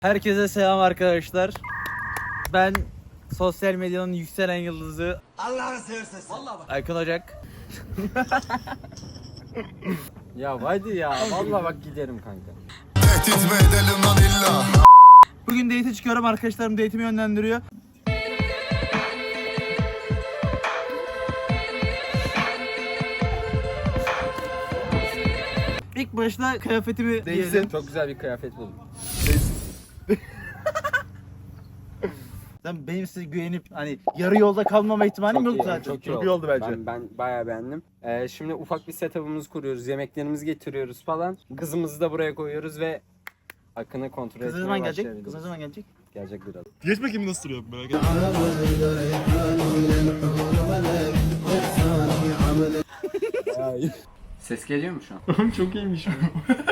Herkese selam arkadaşlar. Ben sosyal medyanın yükselen yıldızı Allah'ını seversen. Vallahi bak. Aykın Ocak. Ya hadi ya vallahi bak giderim kanka. Tehdit mi edelim lan illa? Bugün date'e çıkıyorum, arkadaşlarım date'imi yönlendiriyor. İlk başta kıyafetimi giydim. Çok güzel bir kıyafet buldum. Sen benim size güvenip hani yarı yolda kalmama ihtimalim yok iyi, zaten. Çok iyi oldu bence. Ben bayağı beğendim. Şimdi ufak bir setup'ımızı kuruyoruz. Yemeklerimizi getiriyoruz falan. Kızımızı da buraya koyuyoruz ve Akın'ı kontrol etmeye Kız ne zaman gelecek? başlayabiliriz. Kız ne zaman gelecek? Gelecek biraz. Geç bakayım nasıl duruyor merak etme. Ses geliyor mu şu an? Çok iyiymiş bu.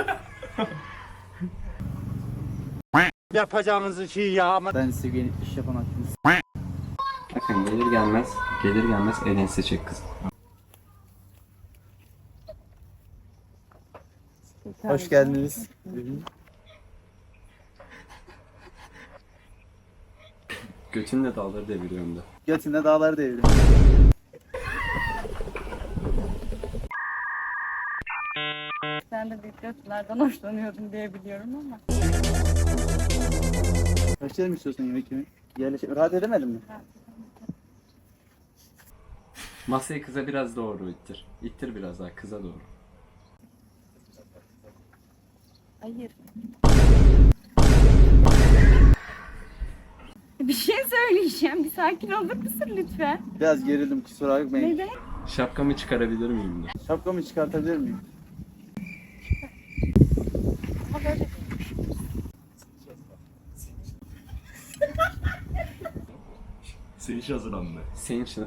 Yapacağınız şey ya ama. Ben size güvenip iş yapan hakkınız. Akın gelir gelmez elini seçecek kız. Hoş geldiniz. Götünle dağları deviriyorum da. Götünde dağları devrim. Sen de büyük götlerden hoşlanıyordun diye biliyorum ama. Başlayalım istiyorsan yemek yemeği. Rahat edemedin mi? Masayı kıza biraz doğru ittir. İttir biraz daha kıza doğru. Hayır. Bir şey söyleyeceğim. Bir sakin olur musun lütfen? Biraz gerildim, kusura bakmayın. Neden? Şapkamı çıkarabilir miyim de? Şapkamı çıkartabilir miyim? Ama böyle Senin için hazırlandı. Senin için.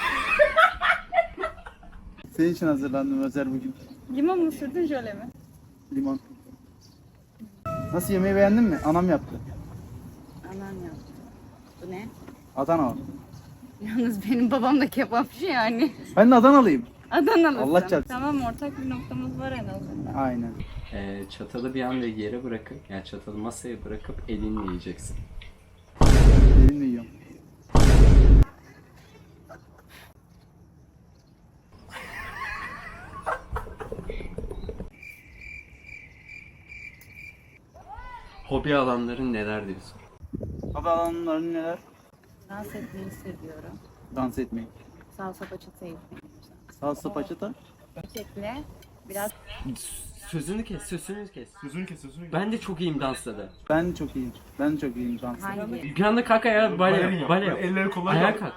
Senin için hazırlandım özel bugün. limon mu sürdün jöle mi? Limon. Nasıl, yemeği beğendin mi? Anam yaptı. Anan yaptı. Bu ne? Adana. Yalnız benim babam da kebapçı yani. Ben de Adanalıyım. Adanalısın. Allah çarpsın. Tamam, ortak bir noktamız var en azından. Aynen. Çatalı bir anda yere bırakıp, yani çatalı masaya bırakıp elinle yiyeceksin. Elimle yiyorum. Hobi alanların neler diyorsun? Adana'nın neler? Dans etmeyi seviyorum. Dans etmeyi. Salsa paçata yapmayı. Salsa paçata. Çiçekle biraz Sözünü kes. Sözünü kes. Ben de çok iyiyim dansta da. Ben çok iyiyim. Ben çok iyiyim dansta. hangi? Bir anda kalk ayağa bale yap. Bale yap. Elleri kolay Ayağa yap. kalk.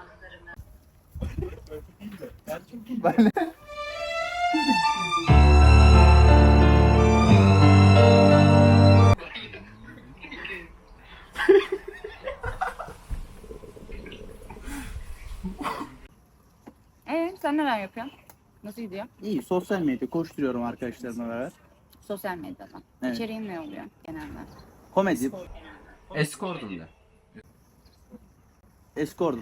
Sen neler yapıyorsun? Nasıl gidiyor? İyi, sosyal medya koşturuyorum arkadaşlarımla beraber. Sosyal medyadan. Evet. İçeriğin ne oluyor genelde? Komedi, Escord'um da. escortum.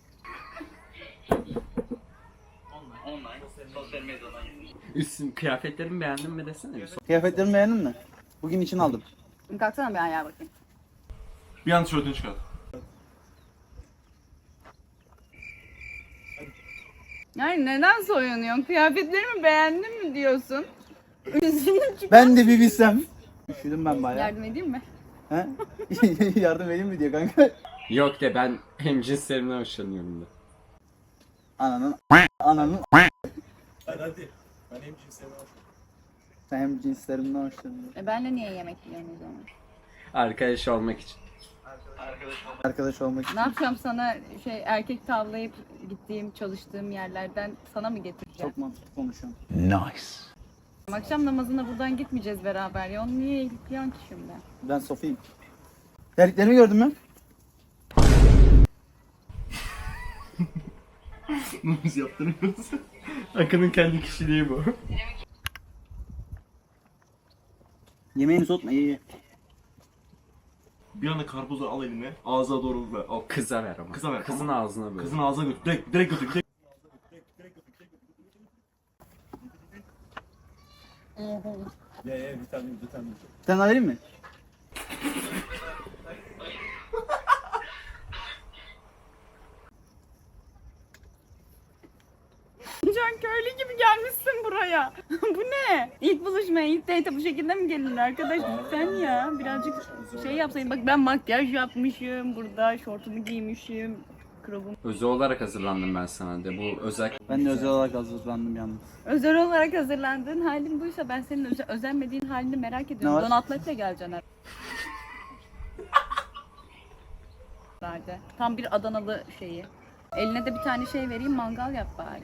Üstün kıyafetlerimi beğendin mi desene bir. Kıyafetlerimi beğendin mi? Bugün için aldım. Kalksana bir ayağa bakayım. Bir an tişörtünü çıkart. Yani neden soyunuyorsun? Kıyafetlerimi beğendin mi diyorsun? Üzülüm çünkü. Ben de bir bilsem. Üşüdüm ben bayağı. Yardım edeyim mi? He? Yardım edeyim mi diyor kanka. Yok de ben hemcinslerimden hoşlanıyorum da. Ananın. Hadi. Ben hem cinslerine Sen hem cinslerimden hoşlanıyorsun. Benle niye yemek yiyorsun o zaman? Arkadaş olmak için. Arkadaş olmak için. Ne yapacağım sana erkek tavlayıp gittiğim çalıştığım yerlerden sana mı getireceğim? Çok mantıklı konuşuyorsun. Akşam namazına buradan gitmeyeceğiz beraber ya. Onu niye ilikliyorsun ki şimdi? Ben Sofiyim. Terliklerimi gördün mü? Biz yaptırmıyoruz. Akın'ın kendi kişiliği bu. Yemeğini soğutma, ye. Bir anda karpuzu al eline, ağzına doğru ver. Al. Kıza ver ama. Kıza ver, Kızın tamam. ağzına böyle. Kızın ağzına götür. Direkt götür. Ye bir tane. Sen vereyim mi? ya. Bu ne? İlk buluşmaya, ilk date bu şekilde mi gelinir arkadaş? Lütfen ya. Birazcık şey yapsaydın. Bak ben makyaj yapmışım. Burada şortumu giymişim. Krobum. Özel olarak hazırlandım ben sana de. Bu özel Ben de özel olarak hazırlandım yalnız. Özel olarak hazırlandığın halin buysa ben senin özenmediğin halini merak ediyorum. var? Don atletle geleceksin herhalde. Tam bir Adanalı şeyi. Eline de bir tane şey vereyim, mangal yap bari.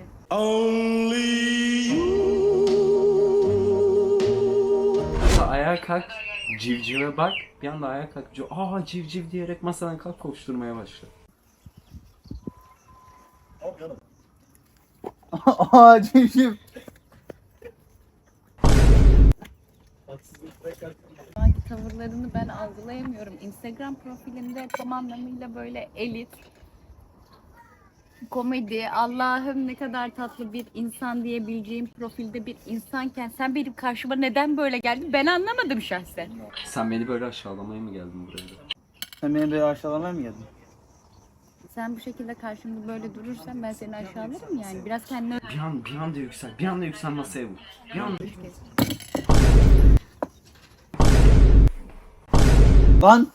ayağa kalk, civcive bak. Bir anda ayağa kalk, aa civciv diyerek masadan kalk koşturmaya başla. Aa civciv. Sanki tavırlarını ben algılayamıyorum. Instagram profilimde tam anlamıyla böyle elit, komedi, Allah'ım ne kadar tatlı bir insan diyebileceğim profilde bir insanken sen benim karşıma neden böyle geldin ben anlamadım şahsen. Sen beni böyle aşağılamaya mı geldin buraya da? Sen beni böyle aşağılamaya mı geldin? Sen bu şekilde karşımda böyle durursan ben seni aşağılarım yani. Biraz kendine Bir anda yüksel, bir anda yüksel masaya vur. Bir anda. Lan!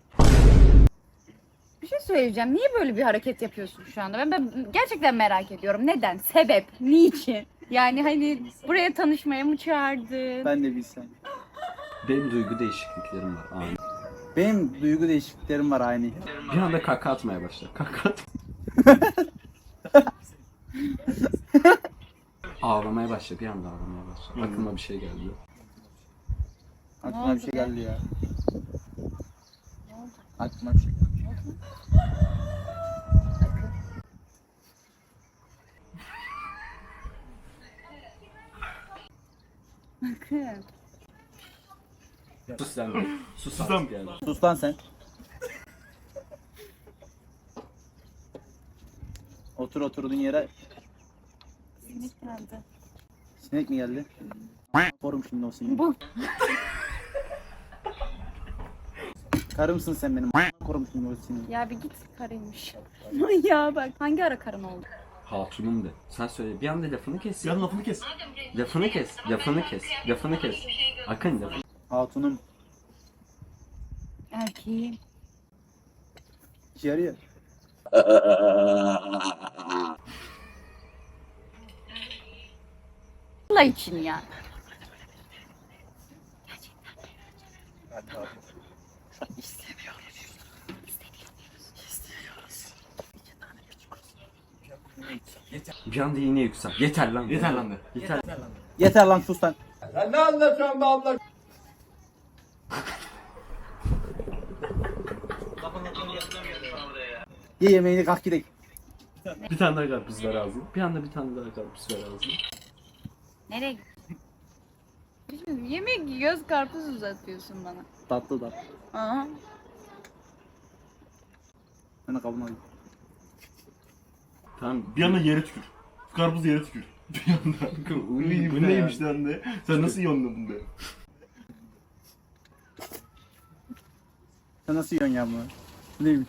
bir şey söyleyeceğim. Niye böyle bir hareket yapıyorsun şu anda? Ben gerçekten merak ediyorum. Neden? Sebep? Niçin? Yani hani buraya tanışmaya mı çağırdın? Ben de bilsem. Benim duygu değişikliklerim var. Ani. Benim duygu değişikliklerim var aynı. Bir anda kaka atmaya başla. Kaka at. Ağlamaya başla, bir anda ağlamaya başla. Aklıma bir şey geldi. Aklıma bir şey geldi ya. Aklıma bir şey geldi. Bakın. Sus sen de. Sus Sus lan. artık yani. Sus lan sen. Otur oturduğun yere. Sinek geldi. Sinek mi geldi? Korum şimdi o sineği. Bu Karımsın sen benim. Korum şimdi o sineği. ya bir git karıymış. ya bak hangi ara karın oldu? Hatunum de. Sen söyle. Bir anda lafını kes. Yan lafını kes. Lafını kes. Lafını kes. Lafını kes. Akın lafını. Hatunum. Erkeğim. İşe yarıyor. Allah için ya. Bir anda yine yüksel. Yeter lan. Yeter lan de. Yeter. Yeter lan sus lan. Sen ne anlatıyorsun be abla? Ye yemeğini kalk gidelim. Bir tane daha karpuz ver ağzına. Bir anda bir tane daha karpuz ver ağzına. Nereye gidiyorsun? Yemek yiyoruz karpuz uzatıyorsun bana. Tatlı da. Aha. Ben de kabına alayım. Tamam. Bir anda yere tükür. Karpuz yere tükür. Bir anda. Bu neymiş lan de? Sen nasıl yondun de? Sen nasıl yiyorsun ya bunu? Bu neymiş?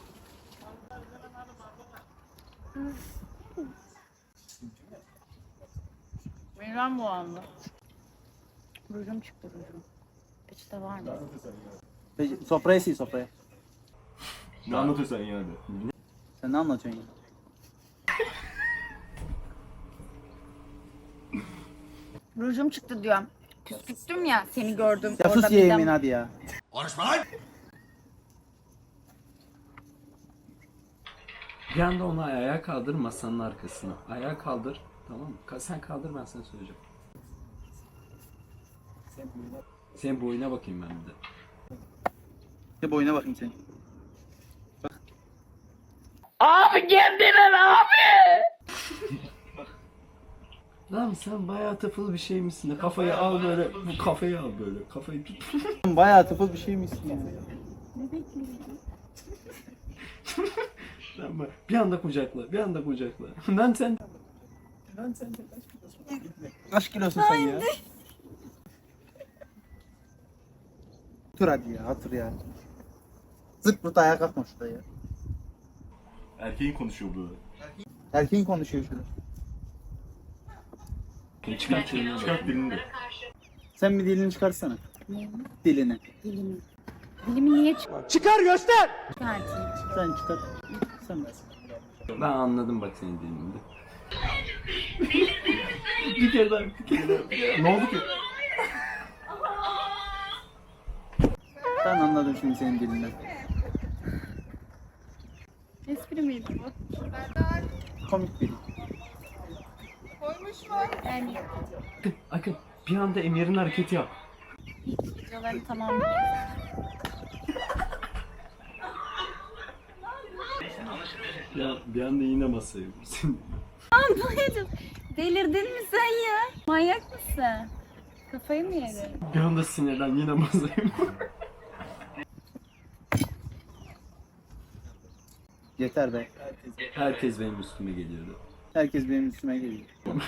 Midem bulandı. Rujum çıktı rujum. Peçete var mı? Peki, sofraya sil sofraya. Ne anlatıyorsun sen yani? Sen ne anlatıyorsun ya? Rujum çıktı diyorum. Küstüm ya seni gördüm. Ya sus ye midem- yemeğini hadi ya. Konuşma lan! Bir anda onu ayağa kaldır masanın arkasına. Ayağa kaldır. Tamam mı? Sen kaldır ben sana söyleyeceğim. Senin boyuna bakayım ben bir de. Bir boyuna bakayım senin. Lan sen bayağı tıfıl bir şey misin de kafayı al böyle. Bu kafayı al böyle. Kafayı tut. Bayağı tıfıl bir şey misin ya? Ne bekliyorsun? Lan bak, bir anda kucakla. Bir anda kucakla. Lan sen. Kaç kilosun sen ya? Otur hadi ya, otur ya. Zırt pırt ayağa kalkma şurada ya. Erkeğin konuşuyor burada. Erkeğin konuşuyor şurada. Çıkart dilini de. Sen bir dilini çıkarsana. Ne? Dilini. Dilimi. Dilimi niye Çıkar göster. çıkartayım? Sen çıkar. Sen de. Ben anladım bak senin dilinde. Bir kere daha. Ne oldu ki? Ben anladım şimdi senin dilinden. Espri miydi bu? Komik bir dil. Yani Akın bir anda Emir'in hareketi yap. videoları tamamlayayım. Ya bir anda yine masaya vursun. Anlayacağım. Delirdin mi sen ya? Manyak mısın? Kafayı mı yedin? Bir anda sinirden yine masaya vur. Yeter be. Herkes benim üstüme geliyordu. Herkes benim üstüme geliyor.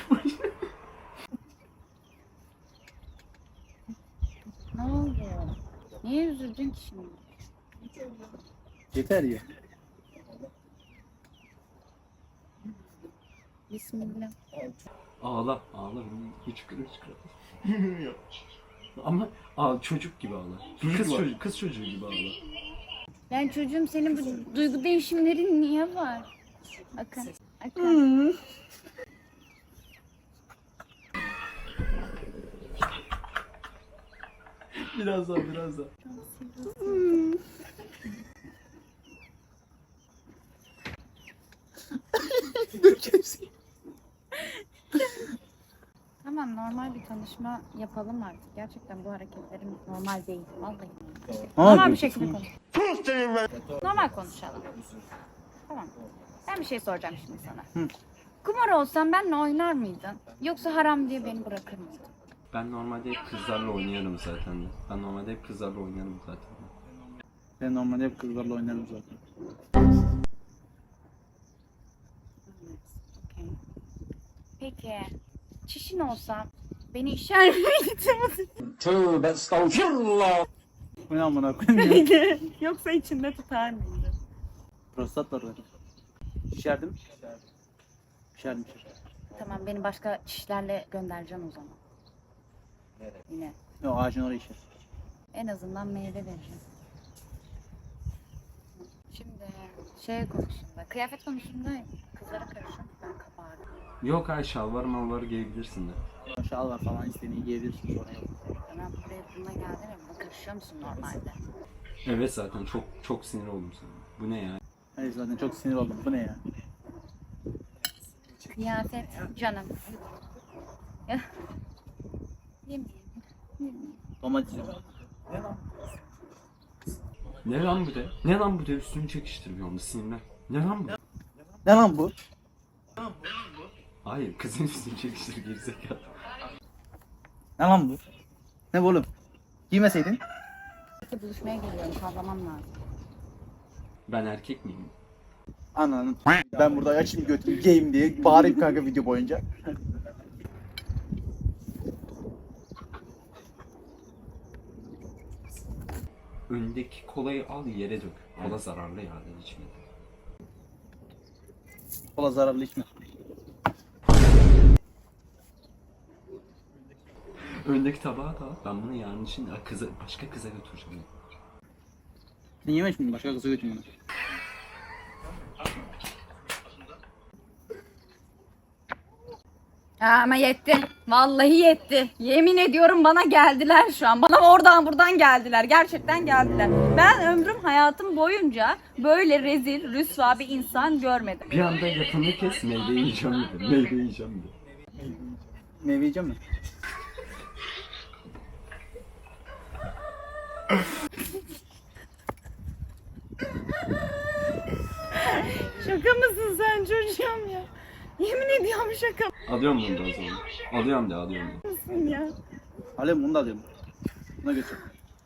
Ne oldu? Niye üzüldün ki şimdi? Yeter ya. Bismillah. Ağla. Hıçkıra. Ama çocuk gibi ağla. Kız çocuğu gibi ağla. Yani çocuğum senin bu duygu değişimlerin niye var? Bakın. Bakın. Biraz daha. Tamam, normal bir tanışma yapalım artık. Gerçekten bu hareketlerim normal değil. Vallahi. Normal bir şekilde konuş. Normal konuşalım. Tamam. Ben bir şey soracağım şimdi sana. Hı. Kumar olsam benimle oynar mıydın? Yoksa haram diye beni bırakır mıydın? Ben normalde hep kızlarla oynarım zaten. Ben normalde hep kızlarla oynarım zaten. Okey. Peki, çişin olsa beni işer miydin? Tövbe estağfirullah. Bu ne amına koyayım ya? Yoksa içinde tutar mıydın? Prostat var zaten. İçerdim. İçerdim. Tamam, beni başka çişlerle göndereceksin o zaman. Yine. Yok, ağacın oraya içer. En azından meyve vereceğim. Şimdi şey konusunda, kıyafet konusunda kızlara karışıyorum. Ben kabardım. Yok ay şalvar giyebilirsin de. Şal var falan, istediğini giyebilirsin sonra yok. Ben buraya bununla geldim ya, buna karışıyor musun normalde? Evet zaten çok sinir oldum sana. Bu ne ya? Hayır zaten çok sinir oldum. Bu ne ya? Kıyafet canım. Ya. Yemeyeyim. Domates yiyorum. Ne lan bu de? Ne lan bu de? Üstünü çekiştirmiyor mu sinirler? Ne lan bu? Ne lan bu? Hayır kızın üstünü çekiştir gerizekalı. Ne lan bu? Ne bu oğlum? Giymeseydin. Peki buluşmaya geliyorum, kavramam lazım. Ben erkek miyim? Ananın. Ben burada açayım götümü giyeyim diye bağırayım kanka video boyunca. Öndeki kolayı al yere dök. Kola zararlı ya da içme. Kola zararlı içme. Öndeki tabağı da al. Ben bunu yarın için başka kıza götüreceğim. Sen yeme şimdi, başka kıza götürün bunu. Ama yetti. Vallahi yetti. Yemin ediyorum bana geldiler şu an. Bana oradan buradan geldiler. Gerçekten geldiler. Ben ömrüm hayatım boyunca böyle rezil, rüsva bir insan görmedim. Bir anda yapanı kes meyve yiyeceğim dedi. Meyve yiyeceğim dedi. Meyve yiyeceğim mi? Şaka mısın sen çocuğum ya? Yemin ediyorum şaka Alıyorum bunu da o zaman. Alıyorum da. mısın ya? Alem bunu da alıyorum. Buna götür.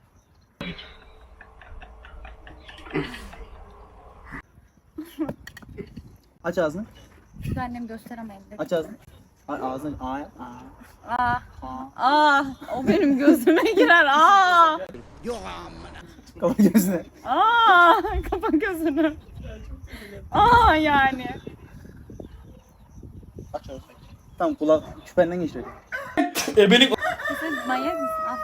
Aç ağzını. Şu annem gösteremedi. Aç ağzını. Ağzını. O benim gözüme girer. Kapa gözüne. Kapa gözünü. Yani. Aç ağzını. Tamam kulak küpenden geçiyor. Ebelik. Sen manyak mısın? Al.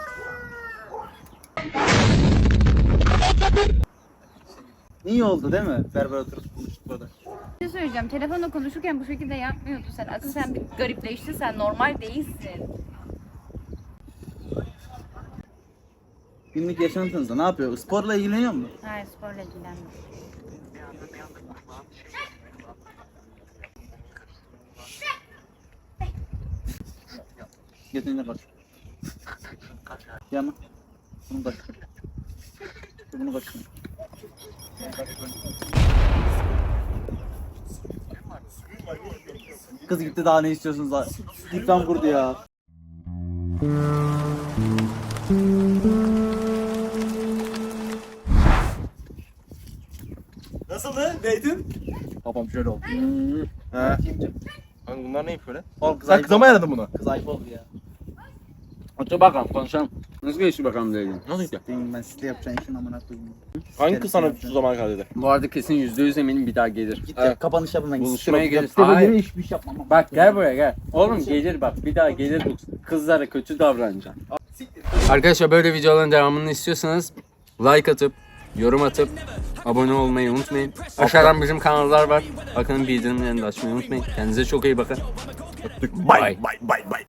İyi oldu değil mi? Berber oturup konuştuk burada. Bir şey söyleyeceğim. Telefonla konuşurken bu şekilde yapmıyordun sen. Akıl sen bir garipleştin. Sen normal değilsin. Günlük yaşantınızda ne yapıyor? Sporla ilgileniyor mu? Hayır sporla ilgilenme. Götünle kaç. Yama. Bunu kaç. Bunu kaç. Kız gitti daha ne istiyorsunuz daha? Dikten vurdu ya. Nasıldı? Neydin? Babam şöyle oldu. He. Kimce? Kanka bunlar ne böyle? Oğlum kız Sen ayıp kıza mı oldu. ayarladın bunu? Kız ayıp oldu ya. Otur bakalım konuşalım. Nasıl geçti bakalım dedi. Nasıl gitti? Benim ben size yapacağım işin amına koyayım. Hangi kız sana şu zamana kadar dedi? Bu arada kesin %100 eminim bir daha gelir. Git Evet. ya kapanış yapın ben. Buluşmaya gelir. Sitede Hayır. yine hiçbir iş yapmam. Bak gel buraya gel. Oğlum gelir bak bir daha gelir bu kızlara kötü davranacaksın. Arkadaşlar böyle videoların devamını istiyorsanız like atıp yorum atıp abone olmayı unutmayın. Aşağıdan bizim kanallar var. Bakın bildirimlerini de açmayı unutmayın. Kendinize çok iyi bakın. Bay bay bay bay.